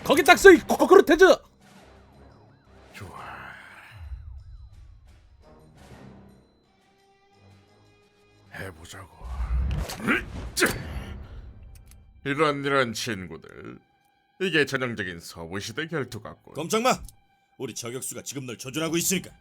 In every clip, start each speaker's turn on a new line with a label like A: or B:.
A: 거기 딱 써 이 코코르테즈.
B: 좋아. 해보자고. 이런 친구들. 이게 전형적인 서부시대 결투 같고.
C: 꼼짝마. 우리 저격수가 지금 널 조준하고 있으니까.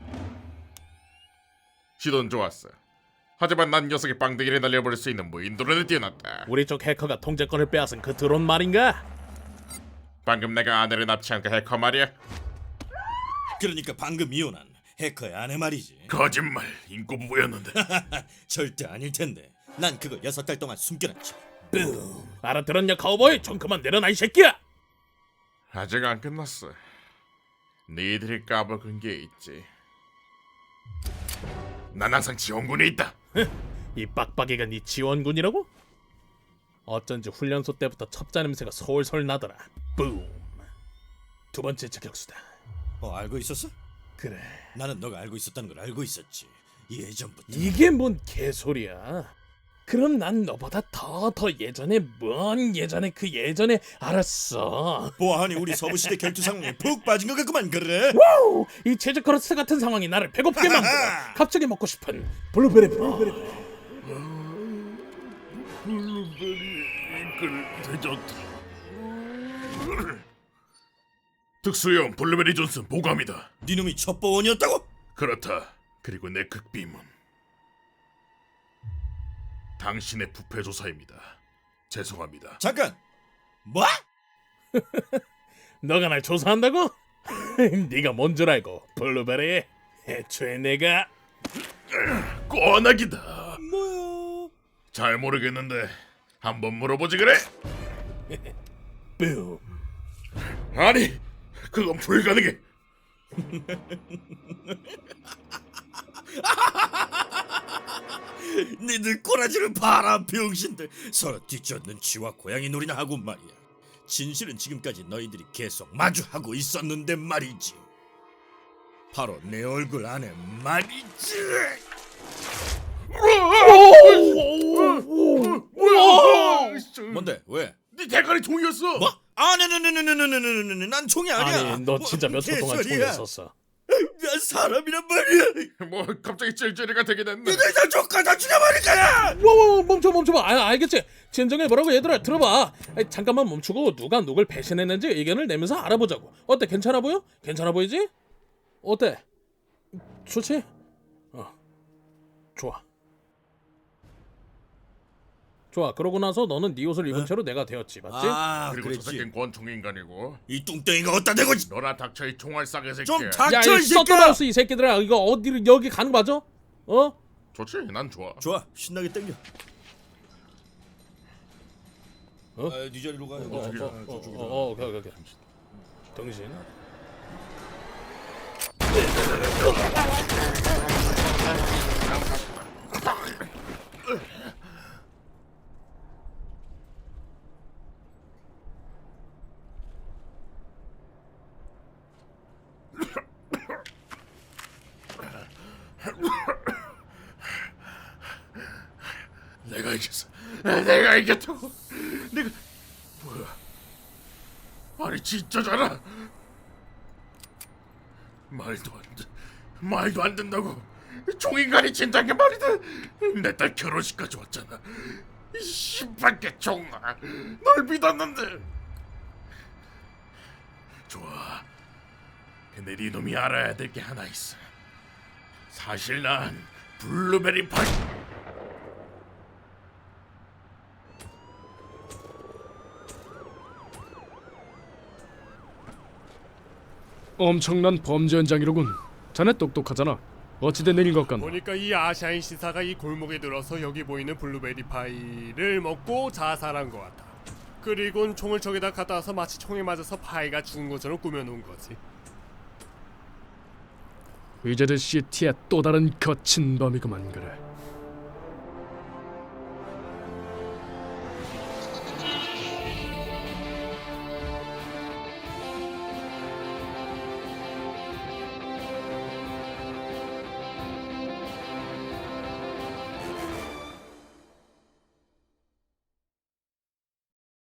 B: 시도는 좋았어. 하지만 난 녀석이 빵대기를 날려버릴 수 있는 무인도론을 띄워놨다.
A: 우리 쪽 해커가 통제권을 빼앗은 그 드론 말인가?
B: 방금 내가 아내를 납치한 그 해커 말이야.
C: 그러니까 방금 이혼한 해커의 아내 말이지.
B: 거짓말. 인꼬부부였는데.
C: 절대 아닐 텐데. 난 그거 6달 동안 숨겨놨지.
A: 뿜. 알아들었냐 카우보이? 좀 그만 내려놔 이 새끼야.
B: 아직 안 끝났어. 니들이 까먹은 게 있지. 난 항상 지원군에 있다.
A: 이 빡빡이가 네 지원군이라고? 어쩐지 훈련소 때부터 첩자 냄새가 솔솔 나더라. 뿜. 두 번째 저격수다.
C: 알고 있었어?
A: 그래.
C: 나는 너가 알고 있었다는 걸 알고 있었지. 예전부터.
A: 이게 뭔 개소리야. 그럼 난 너보다 더 예전에 먼 예전에 그 예전에 알았어.
C: 보아하니 우리 서부시대 결투 상황에 푹 빠진 것 같구만. 그래?
A: 와우! 이 체즈커러스 같은 상황이 나를 배고프게 만들어. 갑자기 먹고 싶은 블루베리
B: 블루베리 이끌 대전트. 특수형 블루베리 존슨 보감이다.
C: 네 놈이 첩보원이었다고?
B: 그렇다. 그리고 내 극비문. 당신의 부패 조사입니다. 죄송합니다.
C: 잠깐. 뭐?
A: 너가 날 조사한다고? 네가 뭔 줄 알고 블루베리. 애초에 내가
B: 뻔하기다.
C: 뭐야?
B: 잘 모르겠는데 한번 물어보지 그래?
A: 뿜.
B: 아니, 그건 불가능해.
C: 니들 꼬라지를 봐라 병신들. 서로 뒤쫓는 쥐와 고양이 놀이나 하고 말이야. 진실은 지금까지 너희들이 계속 마주하고 있었는데 말이지. 바로 내 얼굴 안에 말이지. 뭔데? 왜?
B: 네 대가리 종이었어.
C: 뭐? 네네네네네네네네. 난 총이 아니야.
A: 아니 너 진짜 몇 초 동안
C: 개소리야.
A: 총에 섰어.
C: 난 사람이란 말이야.
B: 뭐 갑자기 찔찔이가 되게 됐네.
C: 니들 다 족가다 죽여버릴 거야.
A: 와와 멈춰봐. 알겠지. 진정해보라고 얘들아. 들어봐. 잠깐만 멈추고 누가 누굴 배신했는지 의견을 내면서 알아보자고. 어때? 괜찮아 보여? 괜찮아 보이지? 어때? 좋지? 좋아. 그러고 나서 너는 네 옷을 입은 채로 내가 되었지, 맞지?
B: 그리고 저
C: 그랬지.
B: 새끼는 권총 인간이고.
C: 이 뚱땡이가 어디다 대고
B: 너나 닥쳐 이 총알 싸게 새끼.
C: 좀
A: 야,
C: 닥쳐
A: 이
C: 이 새끼야.
A: 서터마우스 이 새끼들아, 이거 어디를 여기 가는 거 맞아?
B: 좋지, 난 좋아.
C: 좋아, 신나게 땡겨.
A: 어?
C: 네 자리로 가.
A: 오케이. 당신.
B: 내가 이겼어. 내가 이겼다고. 내가 뭐야? 아니 진짜잖아. 말도 안 된다고. 종인간이 진작에 말이다. 내 딸 결혼식까지 왔잖아. 이 씨발개 종아. 널 믿었는데. 좋아. 근데 네 놈이 알아야 될 게 하나 있어. 사실 난 블루베리 파이.
D: 엄청난 범죄 현장이로군. 자네 똑똑하잖아. 어찌된 일인 것 같나?
E: 보니까 이 아샤인 시사가 이 골목에 들어서 여기 보이는 블루베리 파이를 먹고 자살한 것 같아. 그리곤 총을 저기다 갖다 와서 마치 총에 맞아서 파이가 죽은 것처럼 꾸며놓은 거지.
D: 위저드 시티의 또 다른 거친 범이구만. 그래.